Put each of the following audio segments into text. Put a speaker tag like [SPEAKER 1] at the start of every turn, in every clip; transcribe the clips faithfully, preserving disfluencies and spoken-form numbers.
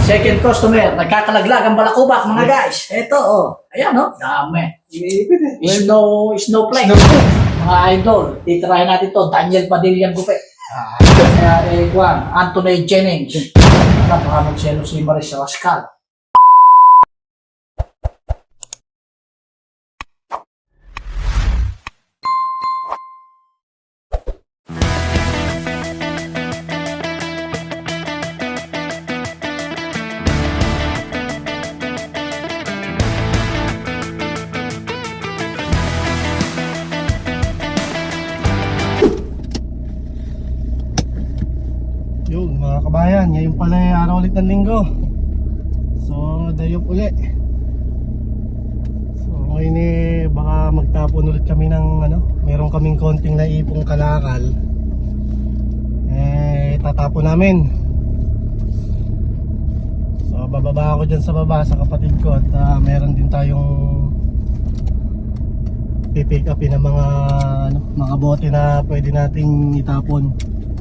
[SPEAKER 1] second customer. Nagkakalaglag ang balakubak, mga guys. Ito, oh. Ayan, oh. Dami. Snow, snowflake. Mga idol. Titirahin natin to. Daniel Padilla Gupe. Ah, kaya, eh, Juan. Anthony Jennings. Ano, baka magselo si Maris Rascal.
[SPEAKER 2] Yun mga kabayan, ngayon pala ay araw ulit ng linggo. So day off ulit. So ngayon eh baka magtapon ulit kami ng ano, meron kaming konting naipong kalakal. Eh tatapon namin. So bababa ako dyan sa baba sa kapatid ko. At uh, meron din tayong pipick upin ng mga ano, mga bote na pwede nating itapon.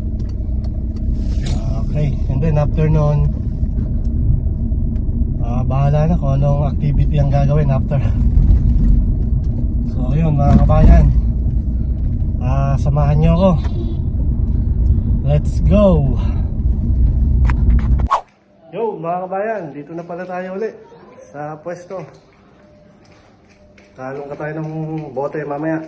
[SPEAKER 2] Okay, and then after noon uh, bahala na kung anong activity ang gagawin after. So yun mga kabayan, uh, samahan nyo ako. Let's go. Yo mga kabayan, dito na pala tayo ulit sa pwesto. Talong ka tayo ng bote mamaya.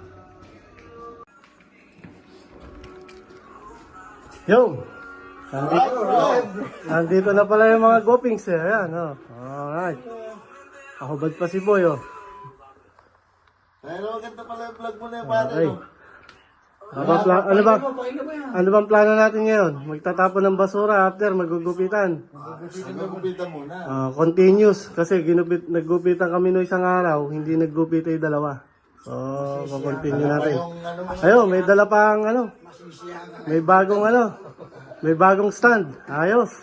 [SPEAKER 2] Yo, Nandito, nandito na pala yung mga gopings eh. Ayan, oh. Alright. Ahubad pa si Boy, oh.
[SPEAKER 3] Pero maganda pala yung vlog mo na yung pare,
[SPEAKER 2] Okay.
[SPEAKER 3] no?
[SPEAKER 2] Ano ba, pla- ano ba, ano bang plano natin ngayon? Magtatapon ng basura after magugupitan.
[SPEAKER 3] Gupitan na gupitan muna.
[SPEAKER 2] Uh, continuous. Kasi ginupit, naggupitan kami no isang araw, hindi naggupit ay dalawa. So, continue natin. Ayun, may dala pang ano. May bagong ano. May bagong stand. Ayos.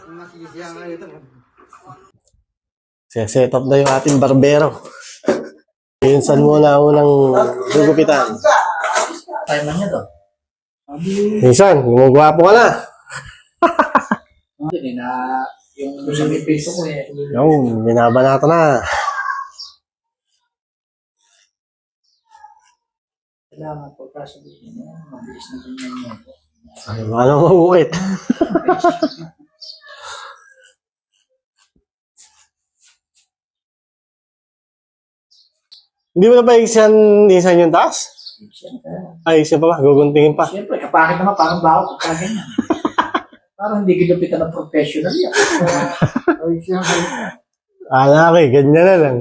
[SPEAKER 2] Set up na yung ating barbero. Yun saan muna unang gugupitan.
[SPEAKER 1] Time na niya to.
[SPEAKER 2] Minsan, gumagwapo ka na.
[SPEAKER 1] Hindi na yung sa may piso ko eh.
[SPEAKER 2] Yung, binabanata na.
[SPEAKER 1] Kailangan pagkasabihin niya, mabilis na ganyan niya.
[SPEAKER 2] Ay, ano mabukit. Hindi mo na ba isan, isan yung taas?
[SPEAKER 1] Siyempre.
[SPEAKER 2] Ay, isa pa ba? Guguntingin pa.
[SPEAKER 1] Siyempre, kapakit naman parang baho pagka ganyan. Parang hindi ginupitan ng professional yan. Ay, siyempre.
[SPEAKER 2] Ala ko eh, ganyan na lang.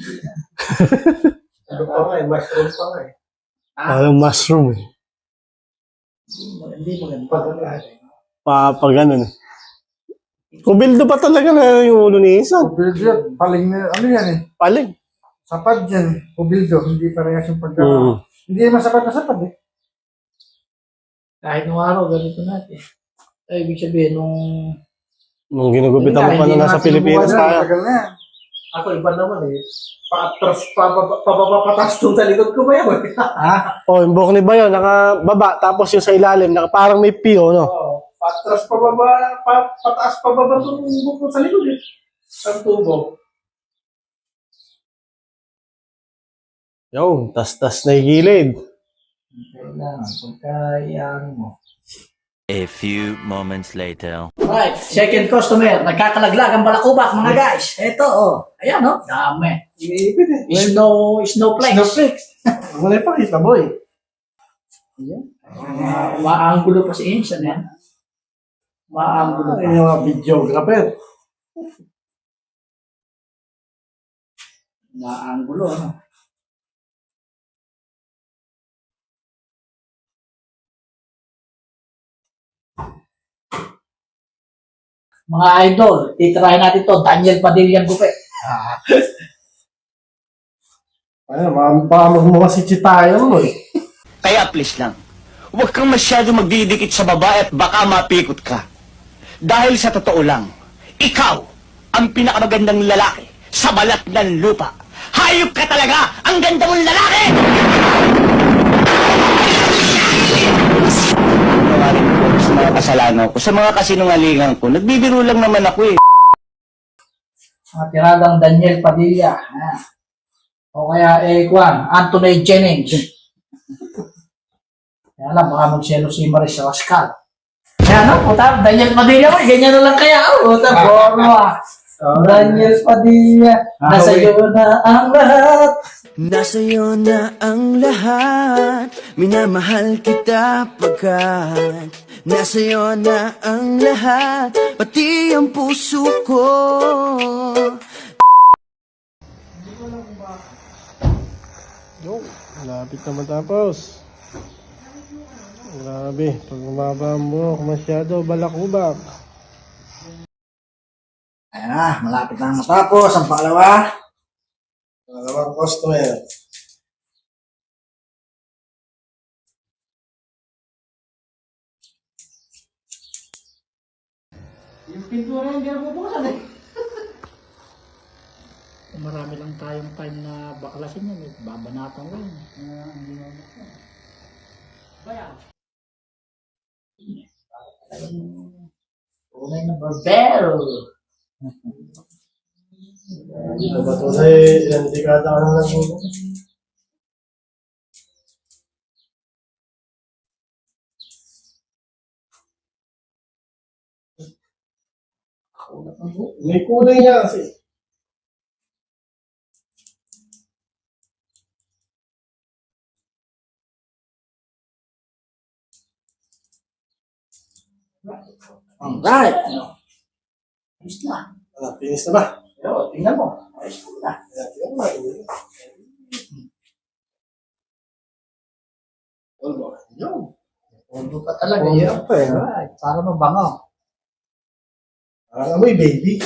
[SPEAKER 3] Ano pa nga eh, mushroom pa nga eh.
[SPEAKER 2] Parang mushroom eh.
[SPEAKER 1] Hindi maganda.
[SPEAKER 2] Pa, pa ganun eh. Kubildo pa talaga na yung ulo ni Isan.
[SPEAKER 3] Kubildo, paling na, ano yan eh.
[SPEAKER 2] Paling.
[SPEAKER 3] Sapat dyan, kubildo, hindi parehas yung pagka...
[SPEAKER 2] Mm.
[SPEAKER 3] Hindi naman sapat na sapat eh.
[SPEAKER 1] Kahit nung araw, ganito natin. Ay, ibig sabihin, nung...
[SPEAKER 2] Nung ginugupitan mo pa na nasa Pilipinas tayo.
[SPEAKER 3] Tagal na yan.
[SPEAKER 1] Ako, iba naman eh. Paatras, pababa, pababa, patas doon sa likod ko ba yun? Ha?
[SPEAKER 2] Oh, yung buhok ni Bayo, nakababa, tapos yung sa ilalim, naka, parang may piyo, no?
[SPEAKER 1] Oo. Patras, pababa, pa, pataas, pababa doon bukod sa likod eh. Sa tubo.
[SPEAKER 2] Yo, tas-tas na yung gilid.
[SPEAKER 1] Kailangan, pagkayaan mo.
[SPEAKER 4] A few moments later.
[SPEAKER 1] Right, second customer. Nagkakalaglag ang balakubak, mga guys. Ito, oh. Ayan, oh. Dami.
[SPEAKER 3] Iipit eh.
[SPEAKER 1] Snow, snowflake.
[SPEAKER 3] Snowflakes. Wala pa kita, boy.
[SPEAKER 1] Ayan. Uh, maanggulo pa si Insan, yan. Maanggulo pa.
[SPEAKER 3] Ay, yung mga videographer.
[SPEAKER 1] Maanggulo, ano. Mga idol, titirahin natin to. Daniel Padilla Gupe. Ah.
[SPEAKER 3] Ay, baka magmukha si Chitayo mo eh.
[SPEAKER 5] Kaya please lang, huwag kang masyado magdidikit sa babae at baka mapikot ka. Dahil sa totoo lang, ikaw ang pinakamagandang lalaki sa balat ng lupa. Hayop ka talaga! Ang ganda mong lalaki! Sa mga kasalanan ko, sa mga kasinungalingan ko, nagbibiro lang naman ako eh.
[SPEAKER 1] Mga tiradang Daniel Padilla. Ayan. O kaya, eh, Juan, Anthony Jennings. Kaya lang, baka magselo si Maris Rascal. Kaya no, puta, Daniel Padilla mo, ganyan na lang kaya. Oh, puta, borno ah. Daniel Padilla, nasa iyo na ang lahat.
[SPEAKER 6] Nasa iyo na ang lahat. Minamahal kita pagkat nasa iyo na ang lahat, pati ang puso ko.
[SPEAKER 2] Yo, malapit na matapos. Grabe, pag umaba ang buhok, masyado balakubak.
[SPEAKER 1] Ayan na, malapit na matapos ang pangalawa.
[SPEAKER 2] Dalawang customer.
[SPEAKER 1] Yung pintura hindi na bubuksan eh. Marami lang tayong time na baklasin yan. Eh. Babanatan ko yun. Uh, hindi na bubuksan. Bayan. Tunay na barbero.
[SPEAKER 2] Diba tunay, ilang dekada ka na nagbubuhok? May kulay niya kasi.
[SPEAKER 1] Alright. Ayos na.
[SPEAKER 2] Ah, finish na ba?
[SPEAKER 1] Yo, tingnan mo. Ayos na.
[SPEAKER 2] Ayan, tingnan mo, tingnan mo. Olbo.
[SPEAKER 1] Yo. Ulo pa talaga.
[SPEAKER 2] Ulo
[SPEAKER 1] Yo.
[SPEAKER 2] pa eh, no?
[SPEAKER 1] Alright. Para mabango.
[SPEAKER 2] Parang amoy baby.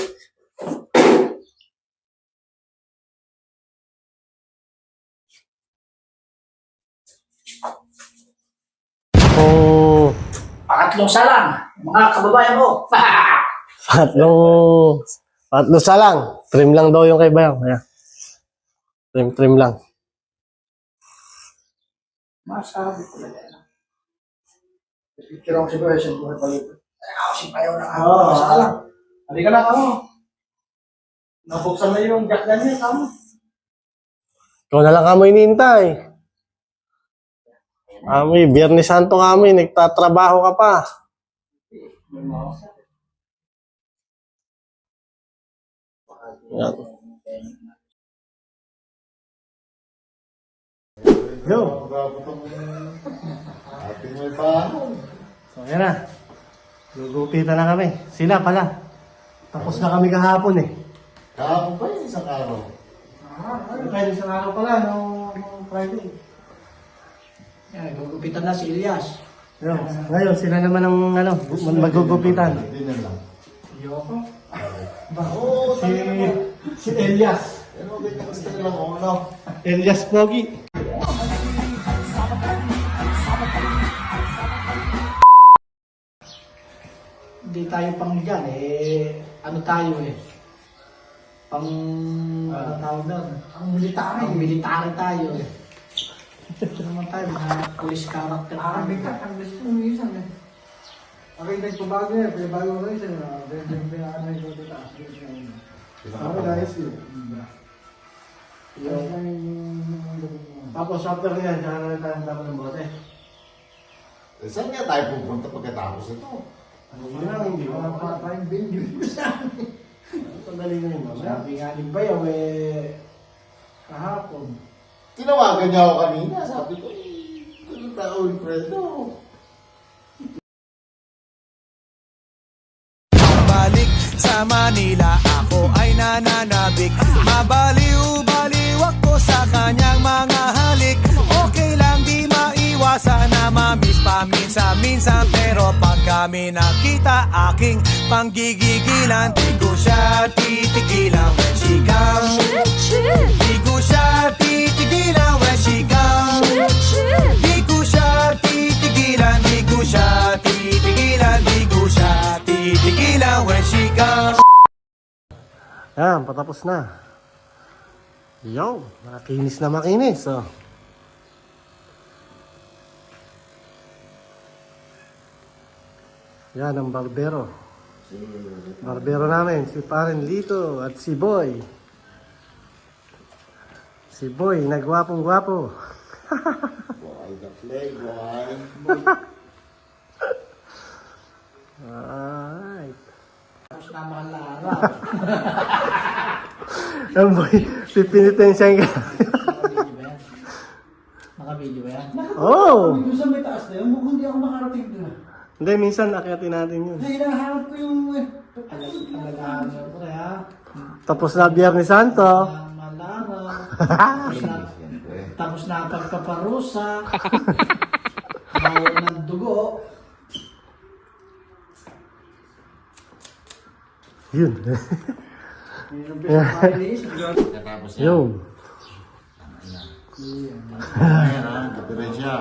[SPEAKER 2] Oh,
[SPEAKER 1] Pangatlong salang. Mga kababayan ko.
[SPEAKER 2] tatlong, tatlo sa lang. Trim lang daw yung kay Bayang. Ayan. Trim, trim lang.
[SPEAKER 1] Masabi ko lang yan.
[SPEAKER 3] Picture ako si President. Buhay palit.
[SPEAKER 1] Ay, ako si Payaw na ako.
[SPEAKER 2] Oo.
[SPEAKER 1] Salang.
[SPEAKER 2] Halika na kamo. Nabuksan na yung jack niya, kamo. Ikaw na lang kamo inintay. Kami, Biyernes Santo kami, nagtatrabaho ka pa. Yan. Yo. So, yan na. Gugupitan na kami. Sila pala. Tapos na kami kahapon eh.
[SPEAKER 7] Kahapon pa yun, isang araw.
[SPEAKER 2] Ano kayo isang araw pala, no, no Friday.
[SPEAKER 1] Yan, gugupitan na si Elias.
[SPEAKER 2] Yo, ngayon, sila naman ang ano, magugupitan.
[SPEAKER 7] Hindi na lang.
[SPEAKER 1] Yoko.
[SPEAKER 7] Oo,
[SPEAKER 2] Si, si Elias.
[SPEAKER 7] pero ganyan gusto nila kung ano.
[SPEAKER 2] Elias Pogi.
[SPEAKER 1] Hindi tayo pang dyan eh. Ano tayo eh. Pang, ano tawag doon? Ang military. Ang military tayo eh. Ito naman tayo, mga police character.
[SPEAKER 3] Ah, bigat. Ang gusto mo minsan eh. Ako yung nagpabago eh. Kaya bago ko yun. Yung pinaka-ano yung dito taas. Ako guys yun.
[SPEAKER 2] Tapos after yan, saka na tayo dapat ng bote.
[SPEAKER 7] Eh, saan nga tayo pupunta pagkatapos ito?
[SPEAKER 2] Ano yun lang, hindi ko
[SPEAKER 3] Mga
[SPEAKER 2] pa.
[SPEAKER 3] patayang video sa amin.
[SPEAKER 2] Sandali na yun, mamaya.
[SPEAKER 1] Sabi nga ni Bayaw eh, kahapon.
[SPEAKER 7] Tinawagan niya ako kanina. Sabi ko, eh, ano tao, Wilfredo?
[SPEAKER 6] Balik sa Manila, ako ay nananabik. Mabaliw-baliw ako sa kanyang mga halik. Okay lang di maiwasan na mamiss paminsan-minsan. Pero pag kami nakita, aking panggigigilan. Di ko siya titigilan when she comes. Di ko siya titigilan when she comes. Di ko siya titigilan, di ko siya titigilan, di ko siya titigilan when she comes.
[SPEAKER 2] Yan, patapos na. Yo, makinis na makinis. Oh. Yan ang barbero. Barbero namin, si Paren Lito at si Boy. Si Boy, nagwapong gwapo.
[SPEAKER 7] Boy, the play, boy.
[SPEAKER 2] Alright.
[SPEAKER 1] Tapos na mahal na araw.
[SPEAKER 2] Ang boy, pipinitin siya yung
[SPEAKER 1] Nakabili ba yan? Nakabili ba yan?
[SPEAKER 2] Oh!
[SPEAKER 3] Doon sa may taas na yun, mukhang hindi ako makarating doon.
[SPEAKER 2] Hindi, minsan akyatin natin yun.
[SPEAKER 3] Kasi hinahanap ko yung... eh,
[SPEAKER 1] Talagaan mo pre ha.
[SPEAKER 2] Tapos na Biyernes Santo.
[SPEAKER 1] Ang malara. Tapos na, tapos na ang pagpaparusa. Bawal ng dugo.
[SPEAKER 2] Yun.
[SPEAKER 3] Yung pinapalinis,
[SPEAKER 7] Katapos yan.
[SPEAKER 2] Yun.
[SPEAKER 7] Ayan ha, diferensya.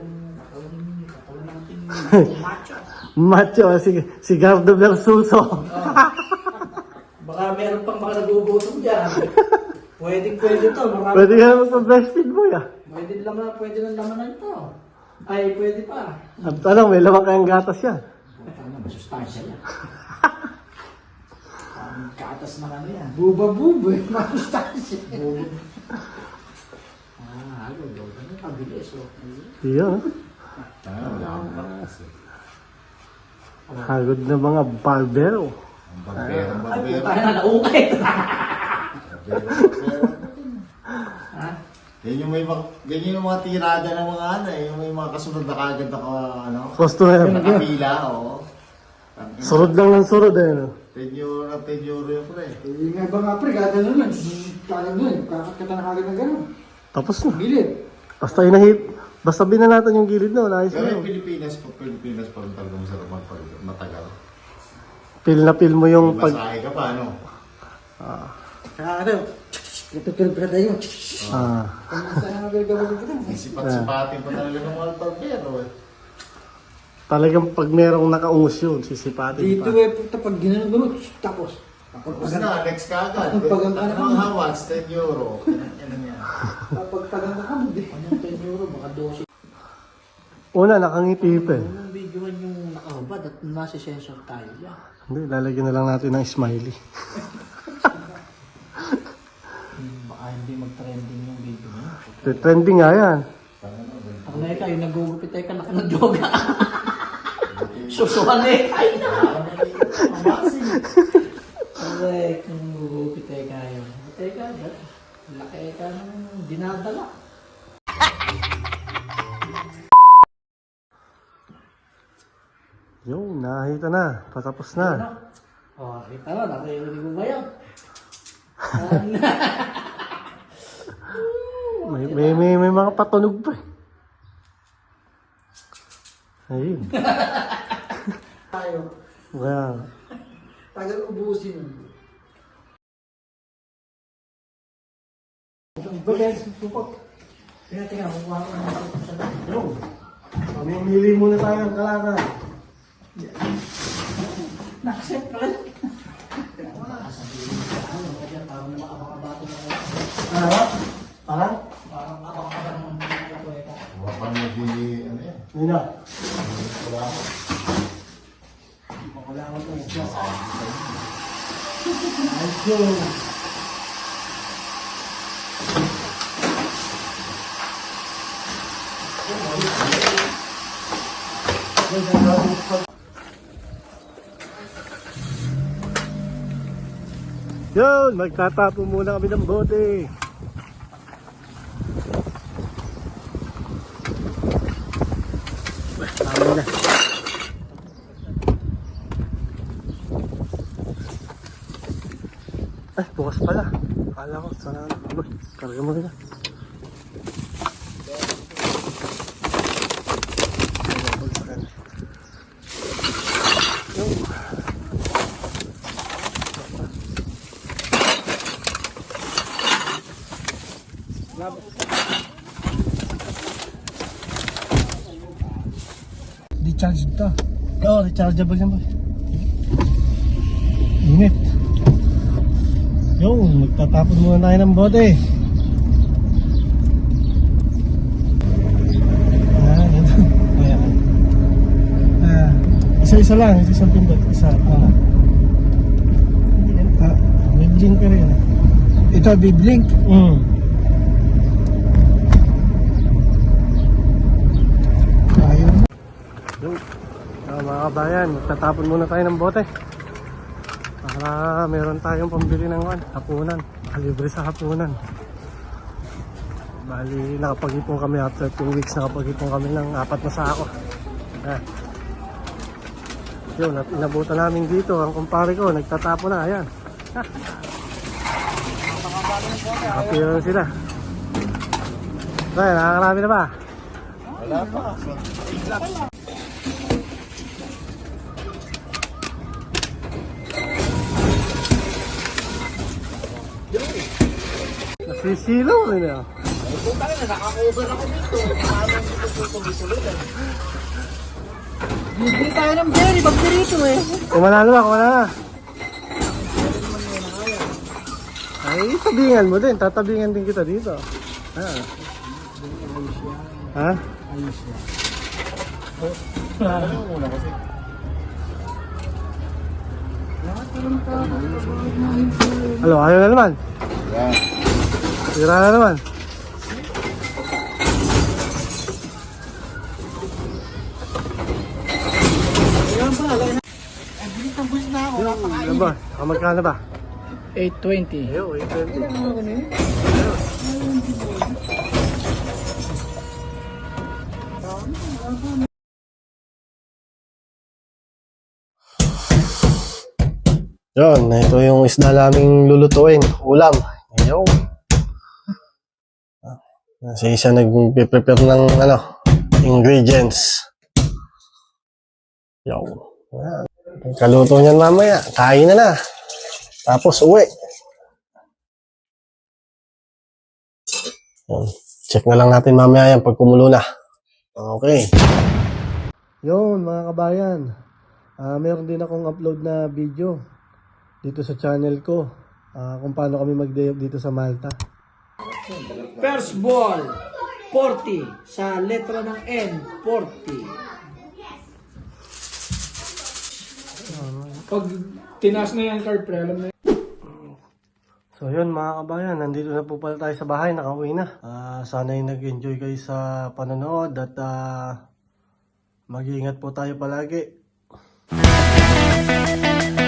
[SPEAKER 2] Macho, si, si Gardo Versuso.
[SPEAKER 1] Baka meron pang mga nagugutom dyan. Pwedeng pwede to. Marami.
[SPEAKER 2] Pwede ka naman pa-breastfeed boy ah.
[SPEAKER 1] Pwede laman, pwede ng lamanan to. Ay, pwede pa.
[SPEAKER 2] At ano, may lamang kayang gatas yan.
[SPEAKER 1] Ano, masustansya yan. Ang katas na kami yan.
[SPEAKER 3] buba-buba, eh, masustansya.
[SPEAKER 1] Ah, ano, ano, ano, pabilis. Oh.
[SPEAKER 2] Yun.
[SPEAKER 7] Ah, wala akong bakas eh.
[SPEAKER 2] Hagod na mga barbero.
[SPEAKER 7] Ang barbero, ang
[SPEAKER 1] Ay,
[SPEAKER 7] barbero.
[SPEAKER 1] puta na, naukit.
[SPEAKER 7] Barbero, barbero.
[SPEAKER 1] Ha?
[SPEAKER 7] Yan yung may mga, ganyan yung mga tirada ng mga ano eh, yung may mga kasunod na kagad na ka- ano,
[SPEAKER 2] Customer.
[SPEAKER 7] nakapila, oo.
[SPEAKER 2] Surod lang ng surod eh. No?
[SPEAKER 7] ten euro na ten euro yung pre.
[SPEAKER 3] Yung nga ba nga pre, gata na lang. Kaya nun, kakatkata na kagad ng gano'n.
[SPEAKER 2] Tapos na.
[SPEAKER 3] Gilid.
[SPEAKER 2] Basta inahit. Basta binanatan yung gilid na. Wala ayos
[SPEAKER 7] Pero
[SPEAKER 2] na.
[SPEAKER 7] yung Pilipinas, pag Pilipinas pa rin talaga masarap magpag- matagal.
[SPEAKER 2] Pil na pil mo yung pag...
[SPEAKER 7] Masahe ka pa, ano?
[SPEAKER 3] Kaya ano, tutulog ka tayo.
[SPEAKER 2] Ah.
[SPEAKER 3] Kung saan ang gagawin kita.
[SPEAKER 7] Sipat-sipatin pa talaga ng mga barbero eh.
[SPEAKER 2] Talagang pag merong nakaungus yun, sisipatin
[SPEAKER 3] Dito
[SPEAKER 2] pa.
[SPEAKER 3] eh, puta, pag ginanong gano'n, tapos.
[SPEAKER 7] Tapos na, next ka agad.
[SPEAKER 3] Ang pagang ka na
[SPEAKER 7] Ang hawas, ten euro. Ano yan?
[SPEAKER 3] Kapag tagang ka hindi.
[SPEAKER 1] Anong ten euro, baka twelve.
[SPEAKER 2] Una, nakangiti pa eh.
[SPEAKER 1] Anong videoan yung nakahubad at nasa sensor tayo yan.
[SPEAKER 2] Hindi, lalagyan na lang natin ng smiley.
[SPEAKER 1] Hmm, baka hindi mag-trending yung video mo.
[SPEAKER 2] Trending nga yan.
[SPEAKER 1] Ako na ikaw, yung nagugupit tayo ka naka ng yoga. Susuhan eh. Ay na. Correct. Kung nagugupit tayo kayo. Teka, laki ka ng dinadala.
[SPEAKER 2] Yung, nakita na. Patapos na.
[SPEAKER 1] Oh, kita mo, nakarinig mo ba yan?
[SPEAKER 2] May, may, may, may mga patunog pa eh. Ayun.
[SPEAKER 3] Tayo.
[SPEAKER 2] Kaya,
[SPEAKER 3] Tagal ubusin. Bagay, supot.
[SPEAKER 1] Tingnan, tingnan, kukuha ko ng ito sa loob.
[SPEAKER 2] yung. Mamimili muna tayo ng kalakan.
[SPEAKER 1] Na-accept ka lang. Sabihin ko, ano ka dyan, parang makabakabato na kayo.
[SPEAKER 2] Ano? Parang?
[SPEAKER 1] Parang makabakabato ng mga kweta.
[SPEAKER 7] Huwag pa nag-i, ano yan?
[SPEAKER 2] Yun na.
[SPEAKER 7] Wala ako.
[SPEAKER 2] Wala ko ito. Let's go. Yun, magtatapo muna kami ng bote. Tama na. Ay, bukas pala. Akala ko, sana ano. Karga mo rin.
[SPEAKER 3] Di-charge to.
[SPEAKER 2] Oo, rechargeable yan boy. Init. Yung, magtatapon muna tayo ng bote. Ah, ito. Ayan. Ah, isa-isa lang, isa-isang pindot. Isa, ah.
[SPEAKER 3] Nag-blink ka rin. Ito, biblink.
[SPEAKER 2] Mm.
[SPEAKER 3] Ayaw.
[SPEAKER 2] Yung, ah, mga kabayan, tatapon muna tayo ng bote. Para meron tayong pambili ng ano, hapunan. Makalibre sa hapunan. Bali, nakapag-ipon kami after two weeks, nakapag-ipon kami ng apat na sako. Ah. Yun, at inabutan namin dito, ang kumpare ko, nagtatapo na, ayan. Nakapira na sila. Ay, nakakarami na ba?
[SPEAKER 7] Wala pa.
[SPEAKER 2] Nasisilaw rin ah.
[SPEAKER 7] Puta ka na, naka-cover ako dito. Paano hindi ko tutuloy-tuloy?
[SPEAKER 3] Bibili tayo ng berry, pag dito eh.
[SPEAKER 2] Kumana na, kumana na. Ay, tabingan mo din. Tatabingan din kita dito. Ha? Ha? Halo, ayaw na naman.
[SPEAKER 7] Yan.
[SPEAKER 2] Tira na naman. Ano ba? Saka magkano ba?
[SPEAKER 3] eight twenty.
[SPEAKER 2] Ayaw, eight twenty. Yun, ito yung isda naming lulutuin. Ulam. Ayaw. Kasi isa nag-prepare ng ano, ingredients. Ayaw. Yan. Kaluto niyan mamaya. Kain na na. Tapos uwi. Yan. Check na lang natin mamaya yan pag kumulo na. Okay. Yun mga kabayan. Uh, meron din akong upload na video dito sa channel ko. Uh, kung paano kami mag-day off dito sa Malta.
[SPEAKER 1] First ball, forty. Sa letra ng N, forty.
[SPEAKER 3] Pag tinaas na yung card pre, alam na yun.
[SPEAKER 2] So yun mga kabayan, nandito na po pala tayo sa bahay, nakauwi na. Uh, sana'y nag-enjoy kayo sa panonood at uh, mag-iingat po tayo palagi.